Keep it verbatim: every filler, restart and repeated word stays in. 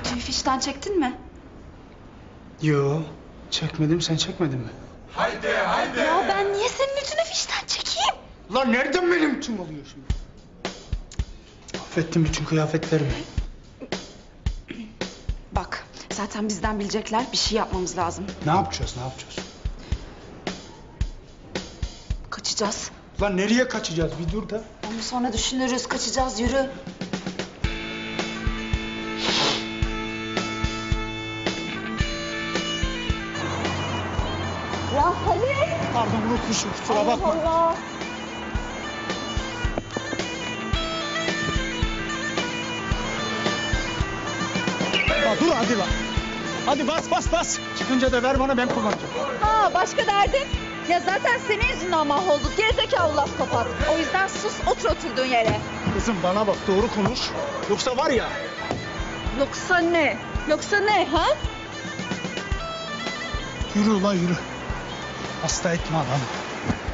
Lütfü'yü fişten çektin mi? Yo, çekmedim. Sen çekmedin mi? Haydi haydi. Ya ben niye senin Lütfü'nü fişten çekeyim? Lan nereden benim tüm oluyor şimdi? Affettim bütün kıyafetlerimi. Bak zaten bizden bilecekler, bir şey yapmamız lazım. Ne yapacağız, ne yapacağız? Kaçacağız. Lan nereye kaçacağız? Bir dur da. Onu sonra düşünürüz, kaçacağız, yürü. Ya hadi. Pardon unutmuşum, kusura bakma. Allah Allah. Ya dur hadi lan. Hadi bas bas bas. Çıkınca da ver bana, ben kullanacağım. Ha başka derdin? Ya zaten senin yüzünden mahvolduk. Gerizekalı laf kapat. O yüzden sus, otur oturduğun yere. Kızım bana bak, doğru konuş. Yoksa var ya. Yoksa ne? Yoksa ne ha? Yürü ulan yürü. Hasta etme adamı.